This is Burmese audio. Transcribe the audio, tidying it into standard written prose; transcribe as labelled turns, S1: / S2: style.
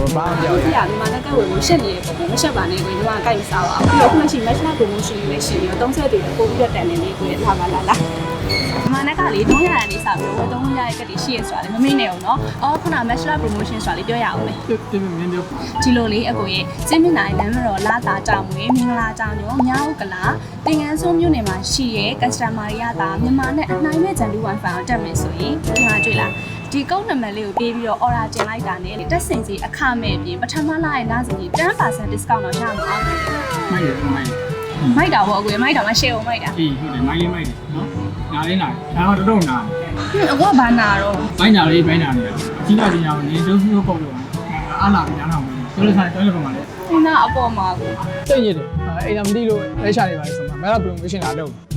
S1: ဘာမှပြောရ
S2: ဒီကဒီမှာလည်းကဲဝင်ရှက်နေတယ်ပေါ့မရှက်ပါနဲ့ကိုညီမကိုက်မစားပါဘူးပြီးတော့ခုမှရှိ match promotion လေးရှိပြီးတော့30တွေပို့ပြီးတော့တန်နေလေးကိုရထားပါလားဒီမှာလည်းကလေ300ရန်လေးစပြီးတော့300ရဲ့ကတိရှိရဆိုတာလေမမေ့နဲ့အောင်နော်အော်ခုန match promotion ဆိုတာလေးပြောရအောင်လေ
S1: ပြမင်းပြော
S2: ဒီလိုလေးအကိုရဲ့စင်းမြင့်နိုင်လမ်းမတော်လာတာကြောင်မွေးမင်္ဂလာကြောင်ရောမြောက်ဥက္ကလာတင်ငန်းစုံမြို့နယ်မှာရှိရဲ customer တွေရတာမြန်မာနဲ့အနိုင်မဲ့ဂျန်လူဝိုင်ဖိုင်ကိုတက်မယ်ဆိုရင်ဒီမှာတွေ့လားဒီကုန်းနံပါတ်လေးကိုပေးပြီးတော့ order တင်လိုက်တာနဲ့တက်စင်စီအခမဲ့ပြင်ပထမလရဲ့လစဉ်ကြီး 10% discount တော့ရမှာ
S1: မိုက်တယ်မိုက်
S2: မိုက်တာပေါ့အကိုမိုက်တာမှ share အောင်မိုက်တာ
S1: အေးဟုတ်တယ်မိုက်လေးမိုက်တယ်နော်နားလေးနားဒါတော့တော်နာ
S2: အကိုကဘာနာတော့
S1: မိုက်နာလေးမိုက်နာလေးကြီးလာကြီးအောင်နေဒုစုပုတ်လို့အားလာပြီးနားထောင်ပြီးဆိုလို့ဆိုင်တော်လို့ပုံပါလေ
S2: နာအပေါ်မှာကို
S1: စိတ်ညစ်တယ်အိမ်သာမသိလို့လဲချနေပါလေဆိုမှမဲလာ promotion လာလုပ်